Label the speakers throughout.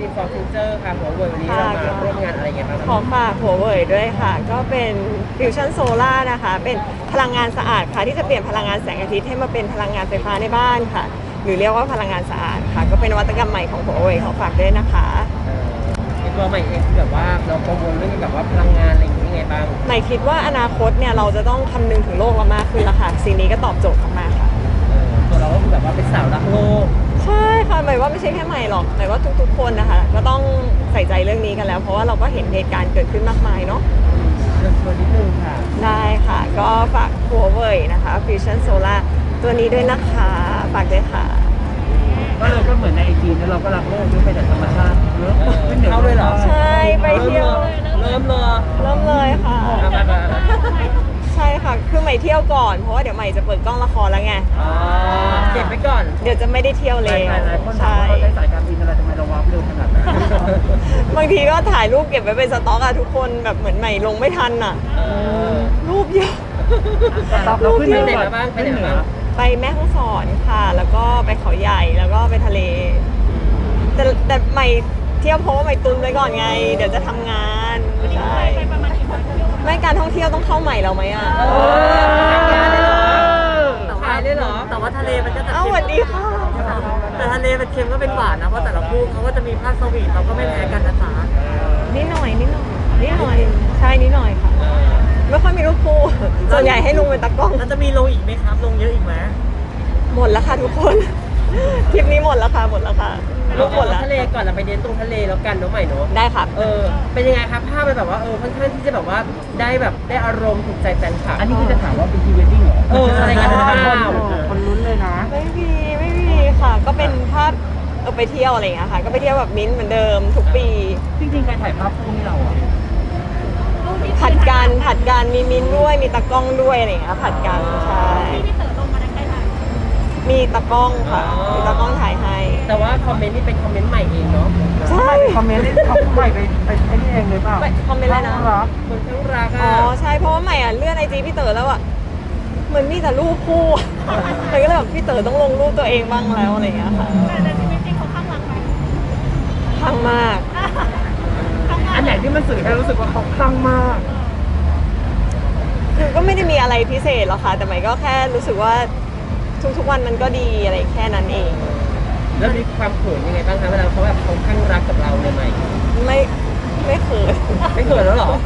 Speaker 1: ทีมฟอร์ฟิวเจอร์ค่ะหัวเว่ยวันนี้เรามาร่วมงานอะไรกันบ้าง
Speaker 2: ขอฝากหัวเว่ยด้วยค่ะ ก็เป็นฟิวชั่นโซล่านะคะ เป็นพลังงานสะอาดค่ะที่จะเปลี่ยนพลังงานแสงอาทิตย์ให้มาเป็นพลังงานไฟฟ้าในบ้านค่ะ หรือเรียกว่าพลังงานสะอาดค่ะ ก็เป็นนวัตกรรมใหม่ของหัวเว่ยขอฝากด้วยนะคะ
Speaker 1: ในตัวใหม่เองคือแบบว่าเรากังวลเรื่องแบบว่าพลังงานอะไรอย่างนี้ยังไงบ้าง
Speaker 2: ใหม่คิดว่าอนาคตเนี่ยเราจะต้องคำนึงถึงโลกเรามากขึ้นแล้วค่ะสิ่งนี้ก็ตอบโจทย์มากๆค่ะ
Speaker 1: ตัวเราก็คือแบบว่าเป็นสาวรักโลก
Speaker 2: ใช่ค่ะหมายว่าไม่ใช่แค่ใหม่หรอกหมายว่าทุกๆคนนะคะก็ต้องใส่ใจเรื่องนี้กันแล้ว เพราะว่าเราก็เห็นเหตุการณ์เกิดขึ้นมากมายเนาะ
Speaker 1: เรื่องตัวนิดนึงค่ะ
Speaker 2: ได้ค่ะก็ฝากหัวเว่ยนะคะ Fusion Solar ตัวนี้ด้วยนะคะฝากด้วยค่ะ
Speaker 3: ก็เลยก็เหมือนในไอจีนเราก็รักโลกด้วยไปแต่ธรรมชาติเยอะ
Speaker 1: เข้าเลยเหรอ
Speaker 2: ใช่ไปเที่ยว
Speaker 1: เริ่มเลย
Speaker 2: เริ่มเลยค่ะ
Speaker 1: มา
Speaker 2: ใช่ค่ะคือใหม่เที่ยวก่อนเพราะว่าเดี๋ยวใหม่จะเปิดกล้องละครแล้วไง
Speaker 1: เก็บไปก่อน
Speaker 2: เดี๋ยวจะไม่ได้เที่ยว
Speaker 3: ห
Speaker 2: เลย
Speaker 3: ลายคนถาม
Speaker 2: ใช่
Speaker 3: ว่าเราใช้สายการบินอะไรทำไมเราว้าวเร็วขนาดนั้น
Speaker 2: บางทีก็ถ่ายรูปเก็บไว้เป็นสต็อกอะทุกคนแบบเหมือนใหม่ลงไม่ทันอะรูปเยอะ
Speaker 3: เราขึ้น
Speaker 1: ไป
Speaker 3: เห
Speaker 1: ไหน
Speaker 3: นือ
Speaker 1: มาบ้างไปไหน
Speaker 3: เหนื
Speaker 1: มา
Speaker 3: อ
Speaker 1: บ้าง
Speaker 2: ไปแม่ฮ่องสอนค่ะ แล้วก็ไปเขาใหญ่แล้วก็ไปทะเล แต่ใหม่เที่ยวเพราะว่าใหม่ตุนไว้ก่อนไง เดี๋ยวจะทำงานใช่ไม่การท่องเที่ยวต้องเข้าใหม่เราไหมอ่ะ
Speaker 1: ขายได้เหรอ
Speaker 4: แต่ว่าทะเลมันก็จะ
Speaker 2: เอ้าสวัสดีค่ะ
Speaker 4: แต่ทะเลเป็นเค็มก็เป็นหวานนะ เพราะแต่ละคู่เขาก็จะมีภาคสวีทเราก็ไม่แพ้กันนะจ๊ะ
Speaker 2: นิดหน่อยใช่นิดหน่อยค่ะ ไม่ค่อยมีรูปคู่ส่วนใหญ่ให้ลุงเป็นตากล้อง
Speaker 4: แล้วจะมีลงอีกไหมครับ ลงเยอะอีกไหม
Speaker 2: หมดแล้วค่ะทุกคนทริปนี้หมดแล้วค่ะรูปหมดแล้ว
Speaker 1: ทะเลก่อนเราไปเดินตรงทะเลแล้วกันเนาะใหม่เนาะ
Speaker 2: ได้ค่ะ
Speaker 1: เป็นยังไงครับภาพมันแบบว่าค่อนข้างที่จะแบบว่าได้อารมณ์ถูกใจแฟนคลับ
Speaker 3: อันนี้คือจะถามว่าเป็นพรีเวดดิ้งเหรอ
Speaker 1: อะไรกันหรือเปล่า
Speaker 3: คนลุ้นเลยนะ
Speaker 2: ไม่มีค่ะ ก็เป็นภาพไปเที่ยวอะไรอย่างเงี้ยค่ะ ก็ไปเที่ยวแบบมิ้นท์เหมือนเดิมทุกปี
Speaker 3: จริงๆใครถ่ายภาพคู่ให้เราอ่ะ
Speaker 2: ผัดกันมีมิ้นท์ด้วยมีตากล้องด้วยอะไรอย่างเงี้ยผัดกันใช่มีตากล้องค่ะมีตากล้องถ่ายให้
Speaker 1: แต่ว่าคอมเมนต์นี่เป็นคอมเมนต์ใหม่เองเนาะ
Speaker 2: ใช่
Speaker 3: คอมเมนต์เขาใหม่ไปไอ้นี่เองเลยเปล่า
Speaker 2: คอมเมนต์อะไรนะ
Speaker 3: รัก
Speaker 1: คนข้างรัก
Speaker 2: อ๋
Speaker 1: อ่ะ
Speaker 2: อใช่เพราะว่าใหม่อ่ะเลื่อนไอจีพี่เต๋อแล้วอ่ะเหมือนมีแต่รูปคู่ใหม่ก็เลยแบบพี่เต๋อต้องลงรูปตัวเองบ้างแล้วอะไรอย่างเงี้ยค่ะ
Speaker 5: แต่ชีวิตจริงเขาข้างรักไหม
Speaker 2: ข้างมาก
Speaker 3: อันไหนที่มันสื่อให้รู้สึกว่าเขาคลั่งมาก
Speaker 2: คือก็ไม่ได้มีอะไรพิเศษหรอกค่ะ แต่ใหม่ก็แค่รู้สึกว่าทุกวันมันก็ดีอะไรแค่นั้นเอง
Speaker 1: แล้วมีความเขินยังไงบ้างคะเวลาเขาแบบเขาข้างรักกับเราใหม่
Speaker 2: ไม่เขิน
Speaker 1: ไม่เขินแล้วหรอ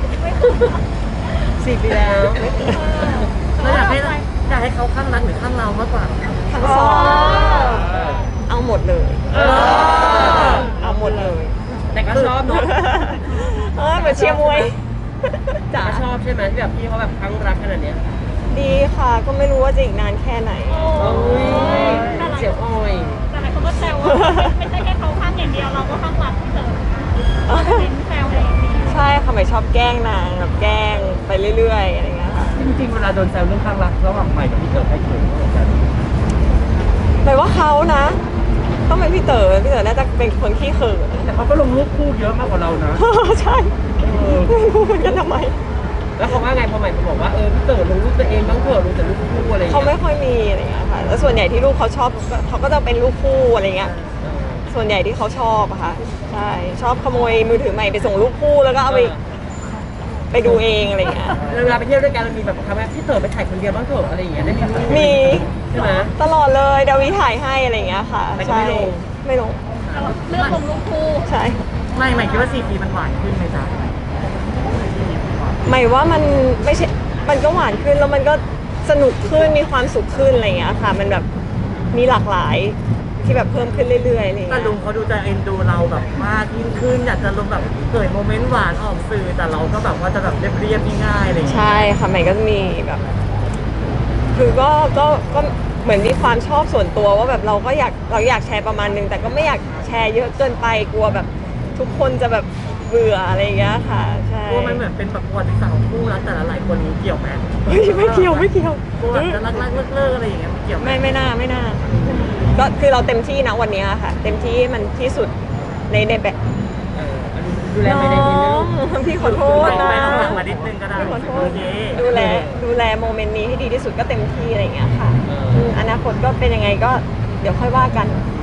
Speaker 1: 4 ปีแล้ว
Speaker 4: เราอยากให้เขาข้างรักหรือข้างเรามากกว่า
Speaker 2: ทั้งสองเอาหมดเลย เอาหมดเลย
Speaker 1: แต่ก็ชอบเนาะ
Speaker 2: เหมือนเชียร์มวยจ๋า
Speaker 1: ก็ชอบใช่ไหมที่แบบพี่เขาแบบข้างรักขนาดเนี้ย
Speaker 2: ดีค่ะ ก็ไม่รู้ว่าจะอีกนานแค่ไหน
Speaker 1: โอ้ยเสียวอ้อย
Speaker 5: แต่หลายคนก็แซวว่าไม่ใช่แค่เขาข้างอย่างเดียวเราก็ข้างรักพี่เต๋อเป็นแซวอะไรอย่างนี้
Speaker 2: ใช่ค่ะใหม่ชอบแกล้งนางแบบแกล้งไปเรื่อยๆอะไรเงี้ยค่ะ
Speaker 3: จริงๆเวลาโดนแซวเรื่องข้างรักระหว่างใหม่กับพี่เต๋อใครเขินกว่ากัน
Speaker 2: หมายว่าเขานะ ต้องเป็นพี่เต๋อน่าจะเป็นคนขี้เขิน
Speaker 3: แต่เขาก็ลงรูปคู่เยอะมากกว่าเรานะ
Speaker 2: ใช่ไม่รู้เหมือนกันทำไม
Speaker 1: แล้วเขาว่าไงพอใหม่บอกว่าพี่เต๋อลงรูปตัวเองบ้างเถอะลงแต่รูปคู่อะไรอย่าง
Speaker 2: เขา
Speaker 1: เงี้
Speaker 2: ไม่
Speaker 1: ย
Speaker 2: ค่อยมีอะไรเงี้ยค่ะ แล้วส่วนใหญ่ที่ลูกเขาชอบเขาก็จะเป็นลูกคู่อะไรเงี้ย ส่วนใหญ่ที่เขาชอบอะค่ะ ใช่ ชอบขโมยมือถือใหม่ไปส่งลูกคู่แล้วก็เอาไปดูเองอะไรเงี้ย
Speaker 1: เวลาไปเที่ยวด้วยกันเรามีแบบทำไมพี่เต๋อไปถ่ายคนเดียวบ้างเถอะอะไรอย่างเงี้ยได้มีรูป
Speaker 2: มี
Speaker 1: ใช่ไหม
Speaker 2: ตลอดเลยดาวิถ่ายให้อะไรเงี้ยค่ะ
Speaker 1: แต่ก็
Speaker 2: ใช่
Speaker 1: ไม่ลง
Speaker 2: ไม่ลง
Speaker 5: เลือกลงรูปคู่
Speaker 2: ใช่
Speaker 4: ไม่คิดว่า4 ปีมันหวานขึ้นไหมจ๊ะ
Speaker 2: หมายว่ามันไม่ใช่ มันก็หวานขึ้นแล้วมันก็สนุกขึ้นมีความสุขขึ้นอะไรเงี้ยค่ะ มันแบบมีหลากหลายที่แบบเพิ่มขึ้นเรื่อยๆอะไร
Speaker 4: แต่
Speaker 2: เงี้ย
Speaker 4: ลุงเขาดูจะเอ็นดูเราแบบมากยิ่งขึ้นอยากจะลงแบบเกิดโมเมนต์หวานออกสื่อแต่เราก็แบบว่าจะแบบเรียบๆง่ายๆอะไรอย่างเงี้ย
Speaker 2: ใช่ค่ะใหม่ก็จะมีแบบ คือก็เหมือนมีความชอบส่วนตัวว่าแบบเราอยากแชร์ประมาณนึงแต่ก็ไม่อยากแชร์เยอะเกินไปกลัวแบบทุกคนจะแบบเบื่ออะไรอย่างเงี้ยค่ะใช่
Speaker 4: กลัวมันเหมือนเป็นแบบประวัติศาสตร์ของคู่รักแต่ละหลายคนนี้เกี่ยวไหม
Speaker 2: เฮ้ยไม่เกี่ยว
Speaker 4: กลัวแบบจะรักๆเลิกๆอะไรอย่างเงี้ยมันเกี่ยวไหม
Speaker 2: ไม่น่าก็คือเราเต็มที่นะวันเนี้ยค่ะ เต็มที่ให้มันที่สุดในแบบ
Speaker 1: ดูแลไม่ได้นิดนึ
Speaker 2: น้อง งพี่ขอโทษนะ
Speaker 4: ไม่ต้องหลังมานิดนึงก็ได้
Speaker 2: พี่ขอโท
Speaker 4: โอ
Speaker 2: ษ
Speaker 4: เค
Speaker 2: ดูแลโมเมนต์นี้ให้ดีที่สุดก็เต็มที่อะไรอย่างเงี้ยค่ะอนาคตก็เป็นยังไงก็เดี๋ยวค่อยว่ากัน
Speaker 4: อ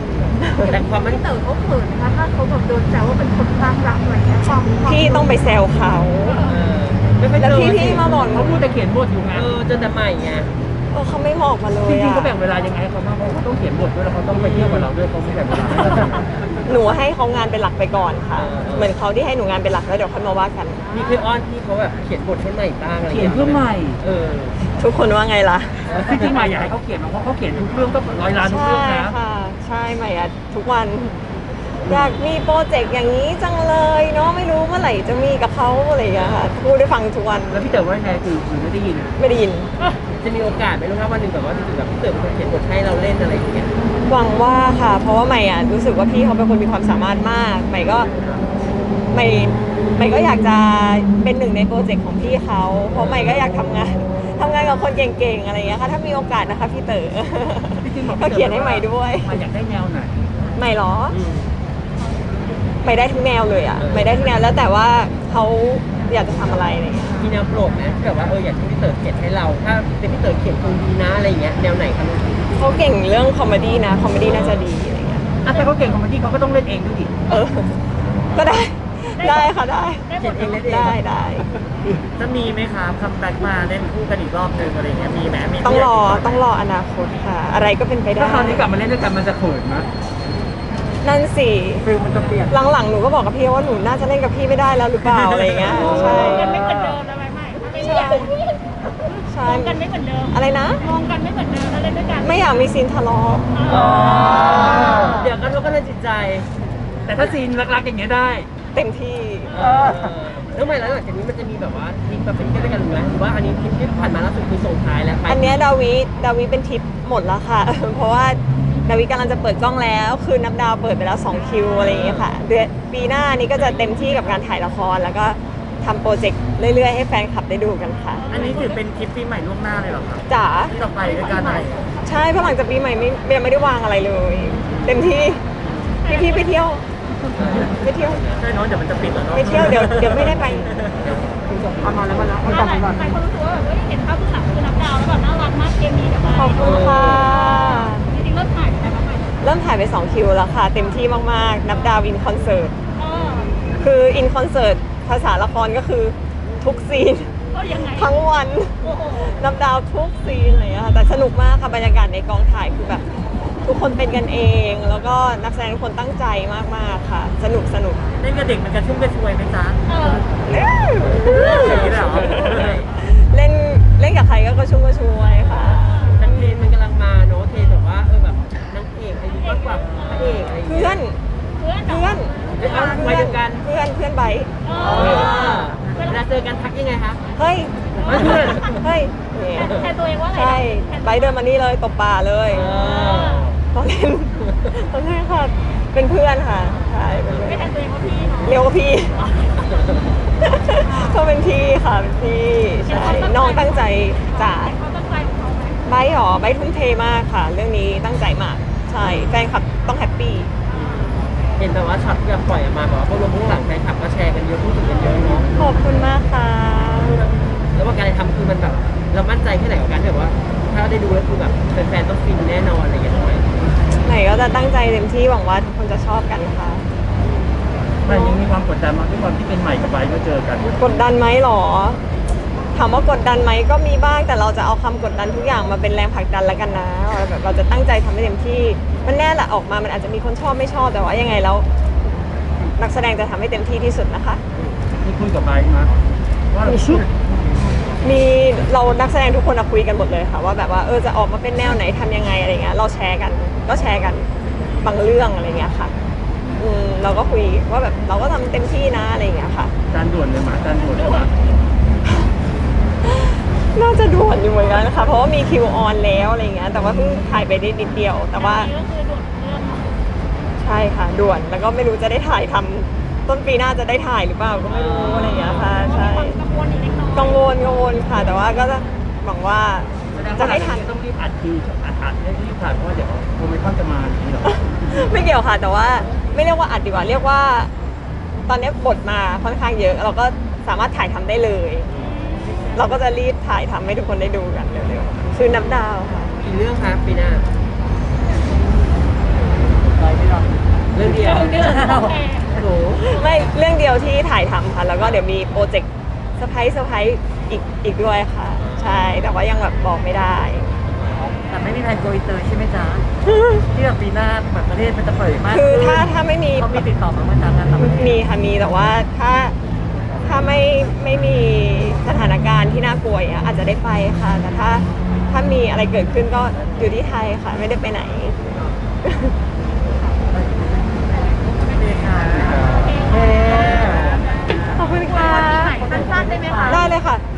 Speaker 1: แต่ความมัน
Speaker 5: พี่เต๋อเขาเขินนะคะถ้าเขาแบบโดนแซวว่าเป็นคนข้างรักอะไรเงี้ยความ
Speaker 2: พี่ต้องไปแซวเขา
Speaker 1: ไม่ค่อย
Speaker 2: แล้ว
Speaker 1: เจอ
Speaker 2: พี่มาบอกหนู
Speaker 3: เขาพูดแต่เขียนบทอยู่ไง
Speaker 1: เจอแต่ใหม่ไง
Speaker 2: เขาไม่บอกมาเลย
Speaker 3: จริงๆ
Speaker 2: อะ
Speaker 3: เขาแบ่งเวลายังไงให้เขาบ้างเพราะเขาต้องเขียนบทด้วยแล้วเขาต้องไปเที่ยวกับเราด้วยเขาไม่แบ่งเวลา
Speaker 2: หนูให้เขางานเป็นหลักไปก่อนค่ะ เหมือนเขาที่ให้หนูงานเป็นหลักแล้วเดี๋ยวค่อยมาว่ากัน
Speaker 1: นี่คืออ้อนที่เขาแบบเขียนบทให้ใหม่บ้างอะไร
Speaker 3: เขียนเพื่อใหม่
Speaker 1: เออ
Speaker 2: ทุกคนว่าไงล่ะ
Speaker 3: จริงๆใหม่อยากให้เขาเขียนเพราะเขาเขียนทุกเรื่องก็100 ล้านทุก
Speaker 2: ใช่
Speaker 3: เรื่องนะ
Speaker 2: ค่ะ ใช่ใหม่อะทุกวันอยากมีโปรเจกต์อย่างนี้จังเลยเนาะไม่รู้เมื่อไหร่จะมีกับเขาอะไรอย่างเงี้ยค่ะพูดได้ฟังทุกวัน
Speaker 3: แล้วพี่เต๋อว่าไงคือไม่ได้ยิน
Speaker 2: ไม่ได้ยิน
Speaker 1: จะมีโอกาสไหมลูกครับวันหนึ่งแบบว่าจริงๆแบบพี่เต๋อเป็นคนเขียนบทให้เราเล่นอะไรอย่างเงี้ย
Speaker 2: หวังว่าค่ะ เพราะว่าใหม่อะรู้สึกว่าพี่เขาเป็นคนมีความสามารถมากใหม่ก็ใหม่ก็อยากจะเป็นหนึ่งในโปรเจกต์ของพี่เขาเพราะใหม่ก็อยากทำงานกับคนเก่งๆอะไรอย่างเงี้ยค่ะถ้ามีโอกาสนะคะพี่เต๋อ
Speaker 3: จริงๆบอก
Speaker 2: ก็เขียนให้ใหม่ด้วย
Speaker 3: ใหม่อยากได้แนวไหน
Speaker 2: ใหม่เหรอไม่ได้ทุกแนวเลยอ่ะไม่ได้ทุกแนวแล้วแต่ว่าเขาอยากจะทำอะไรอะไรเงี้ย
Speaker 1: มีแนวโปรดไหมที่แบบว่าอยากให้พี่เต๋อเขียนให้เรา ถ้าเป็นพี่เต๋อเขียนคงดีนะอะไรอย่างเงี้ยแนวไหนคะลูก
Speaker 2: เขาเก่งเรื่องคอมเมดี้นะคอมเมดี้น่าจะดีอะไรเงี้ย
Speaker 3: อ่ะแต่เขาเก่งคอมเมดี้เขาก็ต้องเล่นเองด้วยดิ
Speaker 2: เออ ก็ได้ได้ค่ะได้
Speaker 1: เขียนเองเล่นเอง
Speaker 2: ได้
Speaker 4: จะมีไหมครับคัมแบ็กมาเล่นคู่กันอีกรอบนึงอะไรเงี้ยมีไหมมี
Speaker 2: ต้องรอ
Speaker 4: ที่ยาก
Speaker 2: ต้องรออนาคตค่ะ อะไรก็เป็นไปได้
Speaker 3: ถ้าคราวนี้กลับมาเล่นด้วยกันมันจะเขินไหม
Speaker 2: นั่นสิ
Speaker 3: ฟิลมันจะเปลี่ยน
Speaker 2: หลังๆหนูก็บอกกับพี่ว่าหนูน่าจะเล่นกับพี่ไม่ได้แล้วหรือเปล่าอะไรเงี้ยใช่
Speaker 5: กันไม่เหมือนเดิมแล้วไหมใหม่ไม่ใช่
Speaker 2: ใช่
Speaker 5: มองกันไม่เหมือนเดิม
Speaker 2: อะไรนะ
Speaker 5: มองกันไม่เหมือนเดิมแล้วเล่นด้วยกัน
Speaker 2: ไม่อยากมีซีนทะเลาะ
Speaker 1: เดี๋ยวกระทบกระเทือนจิตใจ
Speaker 3: แต่ถ้าซีนรักๆอย่างเงี้ยได้
Speaker 2: เต็มที่
Speaker 1: แล้วไม่แล้วหลังจากนี้มันจะมีแบบว่าทริปแบบเป็นเที่ยวด้วยกันหรือหรือว่าอันนี้ทริปที่ผ่านมาล่าสุดคือส่งท้ายแล้วไป
Speaker 2: อันเนี้ยดาวิเป็นทริปหมดแล้วค่ะ เพราะว่าดาวิกำลังจะเปิดกล้องแล้ว คือนับดาวเปิดไปแล้ว2คิวอะไรอย่างเงี้ยค่ะเดือนปีหน้านี้ก็จะเต็มที่กับการถ่ายละครแล้วก็ทำโปรเจกต์เรื่อยๆให้แฟนคลับได้ดูกันค่ะ
Speaker 4: อันนี้ถือเป็นคลิปปีใหม่ล่วงหน้าเลยเหรอครับ
Speaker 2: จ๋า
Speaker 4: ที่เราไปด้วยกันอะไร
Speaker 2: ใช่เพราะหลังจากปีใหม่ยังไม่ได้วางอะไรเลย เต็มที่พี่ไปเที่ยวไปเที่ยว
Speaker 4: ใช่เนาะเดี๋ยวมันจะปิดแล้วเนาะ
Speaker 2: ไปเที่ยวเดี๋ยวไม่ได้ไป
Speaker 3: เอามาแล้วมาแล้วเอา
Speaker 5: ห
Speaker 3: กลับ
Speaker 5: ลาย
Speaker 3: มาก่อน
Speaker 5: คนรู้สึกว่าแบบเห็นภาพเบื้องหลังคือนับดาวแล้วแบบน่ารักมากเคมีแบบว่า
Speaker 2: ขอบคุณค่ะ
Speaker 5: จริงๆเริ่มถ่ายไปแล้วไหม
Speaker 2: เริ่มถ่ายไป2คิวแล้วค่ะ เต็มที่มากๆ นับดาวอินคอนเสิร์ต คืออินคอนเสิร์ตภาษาละครก็คือทุกซีน
Speaker 5: ก็ยังไง
Speaker 2: ทั้งวัน
Speaker 5: โอ้โห
Speaker 2: นับดาวทุกซีนอะไรอย่างเงี้ยค่ะแต่สนุกมากค่ะบรรยากาศในกองถ่ายคือแบบ ทุกคนเป็นกันเอง แล้วก็นักแสดงทุกคนตั้งใจมากๆค่ะ สนุก
Speaker 4: เล่นกับเด็กมันกระชุ่มกระชวยไหมจ๊ะ อย่างนี้เลยเหรอ
Speaker 2: เล่นกับใครก็กระชุ่มกระชวยค่ะ
Speaker 1: มันเทรนด์มันกำลังมาเนอะเทรนด์แบบว่าแบบนางเอกอายุมากกว่าพระเอกอะไรอย่าง
Speaker 2: เพื่
Speaker 1: เงี้
Speaker 2: อย น
Speaker 5: เพื่อน
Speaker 2: เพื่อน
Speaker 1: ไปเดียวกัน
Speaker 2: เพื่อนไบร์ท
Speaker 1: เวลาเจอกันทักยังไงคะ
Speaker 2: เฮ้ย
Speaker 1: เพื่อน
Speaker 2: เฮ้ยเนี่ย
Speaker 5: แทนตัวเองว่าอะไร
Speaker 2: ใช่ไบร์ทเดินมานี่เลยตบป่าเลย
Speaker 1: เออ
Speaker 2: ตอนเล่นค่ะ เป็นเพื่อนค่ะ ใช่เป็นเพื่อน
Speaker 5: ไม่แทนตัวเองว่าพี่เนาะ
Speaker 2: เรียกว่าพี่ ก็เป็นพี่ค่ะเป็นพี่ใช่น้องตั้งใจจ๋า
Speaker 5: เขาตั้งใจของเขาไหม
Speaker 2: ไบร์ทหรอไบร์ททุ่มเทมากค่ะ เรื่องนี้ตั้งใจมาก ใช่แฟนคลับต้องแฮปปี้
Speaker 1: เห็นแต่ว่าช็อตที่แบบปล่อยออกมาแบบว่าพวกลงข้างหลังแฟนคลับก็แชร์กันเยอะพูดถึงกันเยอะเนาะ
Speaker 2: ขอบคุณมากค่ะ
Speaker 1: แล้วว่าการทำคือมันแบบเรามั่นใจแค่ไหนกับการที่แบบว่า ถ้าได้ดูแล้วคือแบบแฟนๆต้องฟินแน่นอนอะไรอย่างเงี้ยทำไม
Speaker 2: ไหนก็จะตั้งใจเต็มที่หวังว่าทุกคนจะชอบกันค่ะ
Speaker 3: แต่ยังมีความกดดันมาด้วยความที่เป็นใหม่กับไบร์ทก็เจอกัน
Speaker 2: กดดันไหมหรอ ถามว่ากดดันไหมก็มีบ้างแต่เราจะเอาคำกดดันทุกอย่างมาเป็นแรงผลักดันแล้วกันนะแบบเราจะตั้งใจทำให้เต็มที่มันแน่แหละออกมามันอาจจะมีคนชอบไม่ชอบแต่ว่ายังไงแล้ว นักแสดงจะทำให้เต็มที่ที่สุดนะคะ
Speaker 3: นี่คุยกับไบร์ทมาว่า
Speaker 2: มีเรานักแสดงทุกคนอะคุยกันหมดเลยค่ะว่าแบบว่าจะออกมาเป็นแนวไหนทำยังไงอะไรเงี้ยเราแชร์กันก็แชร์กันบางเรื่องอะไรเงี้ยค่ะเราก็คุยว่าแบบเราก็ทำเต็มที่นะอะไรเงี้ยค่ะ
Speaker 3: จานด่วนเลยหมาจานด่วนเลยหมา
Speaker 2: น่าจะด่วนอยู่เหมือนกันนะคะเพราะว่ามีคิวออนแล้วอะไรเงี้ยแต่ว่าเพิ่งถ่ายไปได้นิดเดียว แต่ว่า
Speaker 5: อันนี้ก็คือด่วนเรื่องเนาะ
Speaker 2: ใช่ค่ะด่วนแล้วก็ไม่รู้จะได้ถ่ายทำต้นปีหน้าจะได้ถ่ายหรือเปล่าก็ไม่รู้อะไรเงี้ยค่ะใช่
Speaker 5: มีความกังวลอยู่เล็กน้อย
Speaker 2: กังวลค่ะ แต่ว่าก็จะหวังว่า
Speaker 3: แสดง
Speaker 2: จะ
Speaker 3: ว่า
Speaker 2: ให้ทัน
Speaker 3: ต้องรีบอัดคิวอัดให้รีบถ่ายเพราะว่าเดี๋ยวโมเมนตัมจะมาอย่างนี้เหรอ
Speaker 2: ไม่เกี่ยวค่ะ แต่ว่าไม่เรียกว่าอัดดีกว่าเรียกว่า ตอนนี้บทมาค่อนข้างเยอะ เราก็สามารถถ่ายทำได้เลย เราก็จะรีบถ่ายทำให้ทุกคนได้ดูกันเร็วๆคือนับดาวค่ะ
Speaker 1: กี่เรื่องคะปีหน้า
Speaker 4: น้อยไม่หรอก
Speaker 1: เรื่องเดียว
Speaker 5: เดือนโอเค
Speaker 1: โอ้โห
Speaker 2: ไม่เรื่องเดียวที่ถ่ายทำค่ะ แล้วก็เดี๋ยวมีโปรเจกต์เซอร์ไพรส์อีกด้วยค่ะ ใช่แต่ว่ายังแบบบอกไม่ได้
Speaker 4: แต่ไม่มีแผนโกอินเตอร์ใช่ไหมจ๊ะที่แบบปีหน้าแบบประเทศมันจะเปิดมาก
Speaker 2: คือถ้าไม่มี
Speaker 4: เขามีติดต่อมาเมื่อจ๊ะงานต่างประเทศ
Speaker 2: มีค่ะมีแต่ว่าถ้าไม่มีสถานการณ์ที่น่ากลัวอย่างเงี้ยอาจจะได้ไปค่ะ แต่ถ้ามีอะไรเกิดขึ้นก็อยู่ที่ไทยค่ะ ไม่ได้ไปไหน
Speaker 4: โอเคค่ะโอเค
Speaker 2: ขอบคุณค่ะ
Speaker 5: สั้นๆได้ไหมคะ
Speaker 2: ได้เลยค่ะ